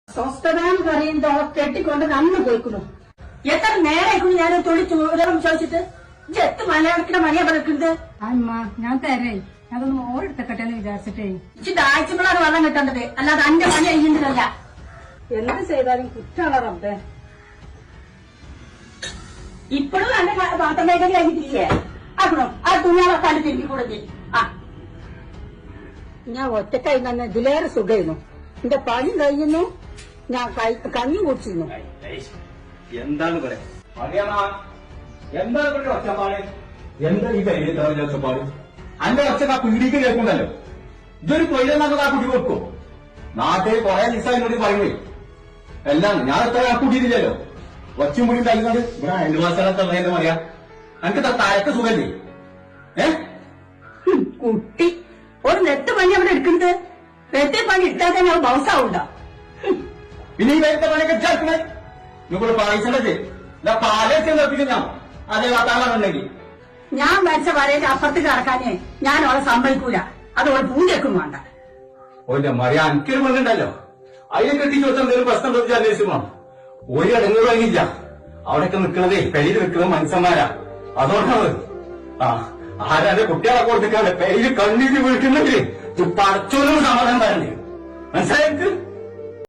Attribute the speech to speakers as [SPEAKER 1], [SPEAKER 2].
[SPEAKER 1] സ്വസ്ഥതാന്ന് പറയുമ്പോ കെട്ടിക്കൊണ്ട് നന്ന് പോയിക്കുന്നു. എത്ര നേരം ഞാൻ തൊഴിൽ ചോരം ചോദിച്ചിട്ട് എത്ത് മലയാളത്തിന്റെ മലയാ പറഞ്ഞിട്ടുണ്ട്.
[SPEAKER 2] അമ്മ ഞാൻ തരേ അതൊന്ന് ഓരെടുത്തക്കട്ടെ എന്ന് വിചാരിച്ചിട്ടേ.
[SPEAKER 1] ഇച്ചിട്ട് ആഴ്ചകളാണ് വെള്ളം കിട്ടേണ്ടത്, അല്ലാതെ അന്റെ പണി അയ്യുന്നതല്ല.
[SPEAKER 2] എന്ത് ചെയ്താലും കുറ്റാണ് റബ്ബേ.
[SPEAKER 1] ഇപ്പോഴും എന്റെ പാത്രം മേഖല കഴിഞ്ഞിട്ടില്ലേ? ആക്കണോ ആ തുണികളൊക്കെ അത് തിരിഞ്ഞു കൊടുത്തി. ആ
[SPEAKER 2] ഞാൻ ഒറ്റക്കായി തന്നെ ഇതിലേറെ സുഖമായിരുന്നു. എന്റെ പണി കഴിയുന്നു, ഞാൻ കഞ്ഞി കുടിച്ചിരുന്നു.
[SPEAKER 3] എന്താണ് പറയാ എന്താണ് ഒച്ചപ്പാട്? എന്താ ഈ കയ്യിൽ തറഞ്ഞ ഒച്ചപ്പാട്? അന്റെ ഒച്ചക്ക് ആ പീടിക്ക് കേൾക്കുന്നുണ്ടല്ലോ. ഇതൊരു തൊഴിലെന്നൊക്കെ ആ കുട്ടി കൊടുക്കും. നാട്ടിൽ കുറെ ദിവസം എന്നോട് പറയുന്നേ എല്ലാം ഞാൻ എത്ര ആ കുട്ടിയില്ലല്ലോ. ഒച്ചും മുടി കഴിയുന്നത് ഇവിടെ അയൽവാസികളൊക്കെ എന്താ പറയാ? എനിക്ക് താഴത്തെ സുഖല്ലേ?
[SPEAKER 1] കുട്ടി ഒരു നെട്ട് പണി അവിടെ എടുക്കുന്നത്. നെറ്റ് പണി ഇട്ടാൽ തന്നെ അത് ബൗസാവുണ്ടോ?
[SPEAKER 3] പിന്നെ ഈ വേഗത്തെ പണിയൊക്കെ ചേർക്കണേ നിങ്ങൾ പായസല്ലേ പാലൊക്കെ നിർത്തിക്കുന്ന അതേ വാർത്താണെന്നുണ്ടെങ്കിൽ
[SPEAKER 1] ഞാൻ മരിച്ച വരയിൽ അപ്പുറത്ത് കിടക്കാനേ ഞാൻ അവളെ സമ്മതിക്കൂല. അത് അവളെ പൂജയ്ക്കും വേണ്ട.
[SPEAKER 3] ഓന്റെ മറിയ എനിക്കൊരു മകണ്ടല്ലോ, അതിനെ കെട്ടിച്ച് വെച്ചാൽ എന്തെങ്കിലും പ്രശ്നം ചോദിച്ചാൽ അന്വേഷിക്കണം. ഒരു ഇടങ്ങൾ കഴിഞ്ഞില്ല. അവിടെയൊക്കെ നിൽക്കുന്നതേ പെരിയിൽ നിൽക്കുന്നത് മനുഷ്യന്മാരാ. അതോടാണ് ആരാന്റെ കുട്ടികളെ കൊടുത്തിക്കാണ്ട് പെരിയിൽ കണ്ണീര് വീഴ്ക്കുന്നെങ്കിൽ പടച്ചോനും സമാധാനം തരണ്ടേ? മനസ്സിലായി?